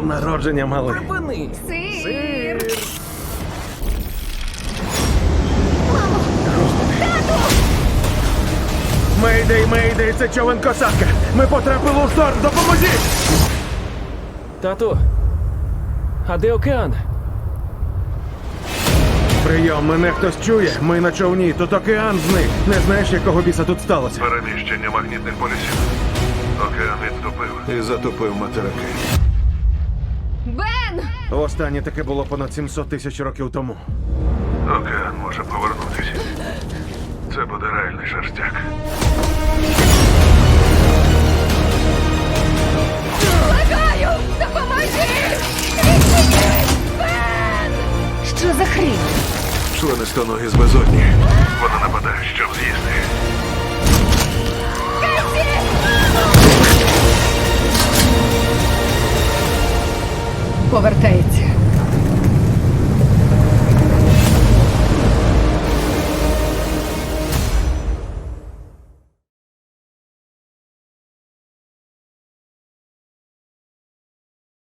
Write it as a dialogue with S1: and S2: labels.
S1: днем народження, малий.
S2: Припини!
S3: Сир!
S1: Мейдей, мейдей, це човен косатка. Ми потрапили у шторм, допоможіть!
S2: Тату, а де океан?
S1: Прийом, мене хтось чує. Ми на човні, тут океан зник. Не знаєш, якого біса тут сталося?
S4: Переміщення магнітних полюсів. Океан відступив і затопив материки.
S3: Бен!
S1: Останнє таке було понад 700 тисяч років тому.
S4: Океан може повернутися. Це буде реальний шерстяк.
S3: Благаю! Допоможи! Відчиніть! Бен! Що за хрінь?
S4: Членистоногі з безодні. Вона нападає, щоб з'їсти.
S3: Повертається.